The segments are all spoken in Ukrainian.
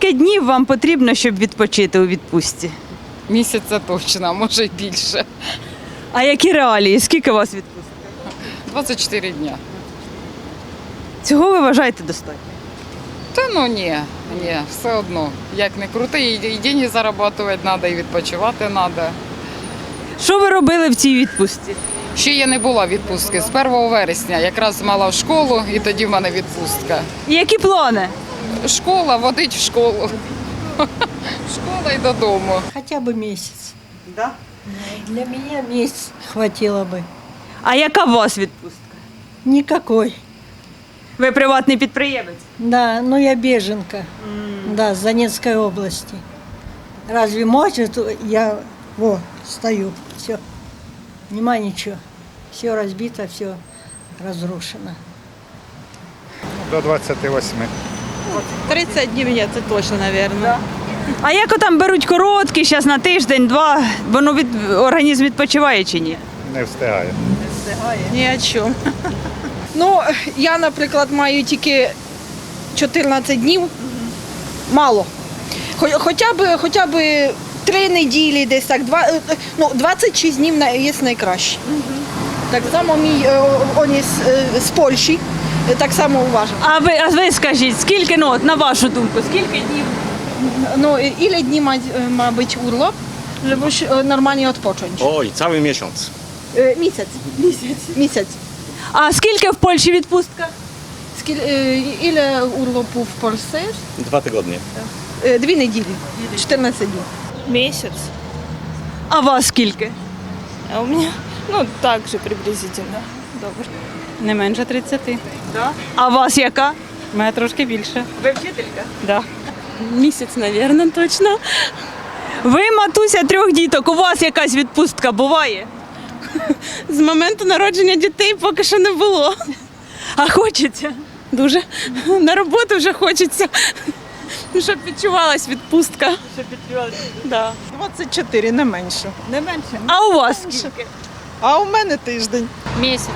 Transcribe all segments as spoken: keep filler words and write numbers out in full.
Скільки днів вам потрібно, щоб відпочити у відпустці? Місяця точно, а може й більше. А які реалії? Скільки у вас відпустки? двадцять чотири дня. Цього ви вважаєте достатньо? Та ну ні, ні, все одно. Як не крути, і, і деньги заробляти треба, і відпочивати треба. Що ви робили в цій відпустці? Ще я не була відпустки з першого вересня, якраз мала в школу, і тоді в мене відпустка. І які плани? Школа, водить в школу. Школа і додому. Хотя бы месяц. Да? Для меня месяц хватило бы. А яка у вас відпустка? Никакой. Ви приватний підприємець? Да, ну я беженка. Да, с Донецкой области. Разве может я во, стою, все. Нема ничего. Все разбито, все разрушено. До двадцяти восьми. тридцать днів ні, це точно, мабуть. А як там беруть короткі, зараз на тиждень, два, воно від організм відпочиває чи ні? Не встигаю. Ні о чому. Ну, я, наприклад, маю тільки чотирнадцять днів. Мало. Хо- Хоча б, хоча б три неділі, десь так, два, е, ну, двадцять шість днів на- є найкраще. Так само мій е, он із, е, з Польщі, е, так само уважав. А ви, а ви скажіть, скільки, ну, от, на вашу думку, скільки днів? Ну, і- ілі дні ма, ma być urlop, żeby się normalnie odpocząć? Oj, cały miesiąc. Е, Місяць. Місяць. Місяць. А скільки в Польщі відпустка? Скіль, е, іле урlopу в Польщі? Dwa tygodnie. Е, Дві неділі, чотирнадцять днів. Месяц. А вас скільки? А у меня, ну, так же приблизительно. Добре. Не менше тридцяти. А вас яка? У мене трошки більше. Ви вчителька? Да. Місяць, мабуть, точно. Ви матуся трьох діток, у вас якась відпустка буває? З моменту народження дітей поки що не було. А хочеться? Дуже. На роботу вже хочеться. Щоб відчувалась відпустка. Щоб підтримувати. Да. двадцять чотири, не менше. Не менше. А у вас скільки? А у мене тиждень. Місяць,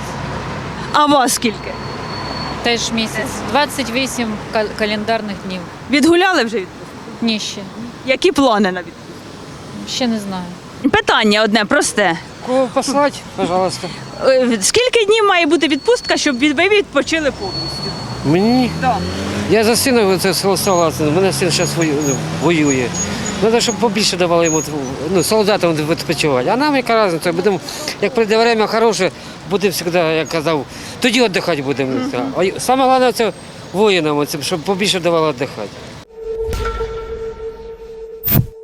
А вас скільки? теж місяць. двадцять вісім кал- календарних днів. Відгуляли вже відпустку? Ні, ще. Які плани на відпустку? Ще не знаю. Питання одне просте. Кого послать, пожалуйста. Е, Скільки днів має бути відпустка, щоб від- ви відпочили повністю? Мені? Так. Я за сина це согласен. У мене син зараз воює. Треба, щоб побільше давали йому, ну, солдатам відпочивати. А нам яка різниця? Будемо, як прийде время хороше, будемо завжди, як казав, тоді віддихати будемо. А саме головне це воїнам, щоб побільше давали віддихати.